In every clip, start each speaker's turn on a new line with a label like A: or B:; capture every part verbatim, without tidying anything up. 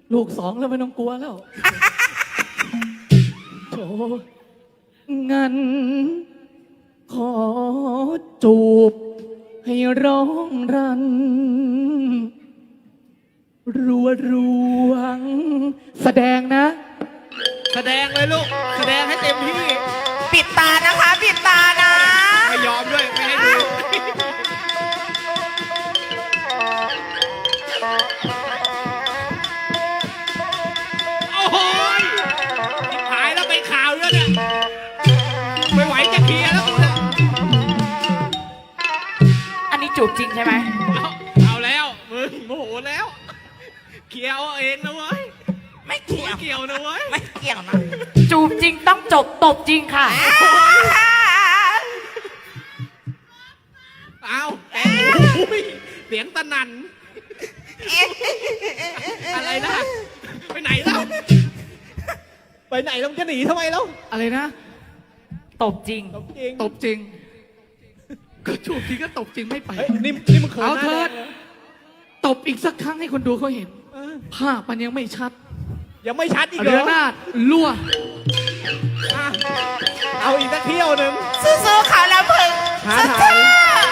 A: ลูกสองแล้วไม่ต้องกลัวแล้วโถงั้นขอจูบให้ร้องรัน รัวรวงแสดงนะ
B: แสดงเลยลูกแสดงให้เต็มที่
C: ปิดตานะคะปิดตานะ
B: ไม่ยอมด้วยไม่ให้ดูโอ้โหหายแล้วไปข่าวแล้วเนี่ยไม่ไหวจะเคลียร์แล้วกูเนี่ย
C: อันนี้จูบจริงใช่ไหม
B: เอาเอาแล้วมึงโมโหแล้วเคลียร์เอาเองนะเว้ย
C: ไม่เกี่ยว
B: ไม่เกี่ยวนะเว้ย
C: ไม่เกี่ยวนะจูบจริงต้องจบตบจริงค่ะ
B: เอาแกโอ้ยเสียงตะนันอะไรนะไปไหนแล้วไปไหนแล้วจะหนีทำไมแล้ว
A: อะไรนะ
C: ตบจริง
B: ตบจริง
A: ตบจริง ก็จูบทีก็ตบจริงไม่ไป
B: เฮ้ยนี่นี่มึงเขิน
A: เอา
B: หน้า
A: เถิด
B: แดงเลย
A: ตบอีกสักครั้งให้คนดูเขาเห็น
B: เออ
A: ภาพมันยังไม่ชัด
B: ยังไม่ชัดอีกเหร
A: เรือ
B: อ
A: นาดลั่ว
B: อ่ะเอาอีกสักเที่ยวหนึ่ง
C: สู้ๆเขาแล้วมึง
B: ท้าทาย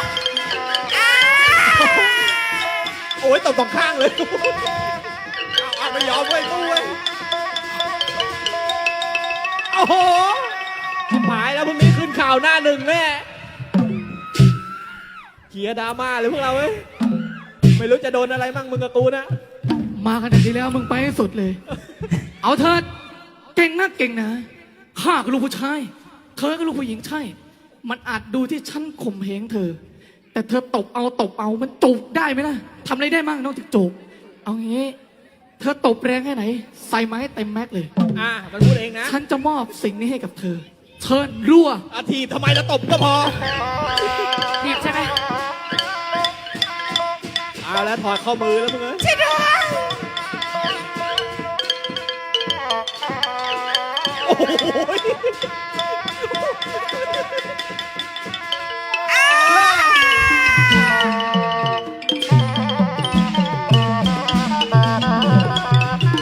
B: โอ้ยตบสองข้างเลยเอาเอาไม่ยอมเว้ยตู้เว้ยโอ้โหชิบหายแล้วพรุ่งนี้ขึ้นข่าวหน้าหนึ่งแน่เขียร์ดราม่าเลยพวกเราเว้ยไม่รู้จะโดนอะไรมั่งมึงกับกูนะ
A: มาขนาดนี้แล้วมึงไปให้สุดเลย เอาเถิดเก่งนักเก่งนะข้าก็ลูกผู้ชายเธอก็ลูกผู้หญิงใช่ มันอาจดูที่ฉันข่มเหงเธอ แต่เธอตบเอาตบเอามันจูบได้ไหมล่ะทำอะไรได้มั่งนอกจากจูบเอางี้ เธอตบแรงแค่ไหน ใส่มาให้เต็มแม็กเลย
B: อ่ะมันพูดเองนะ
A: ฉันจะมอบสิ่งนี้ให้กับเธอ เชิญรั่ว
B: อาทีบทำไมแล้วตบก็พอ
C: ดีบใช่ไหม
B: เอาแล้วถอดข้อมือแล้วมึงเอ้ย
C: ช่วยด้วย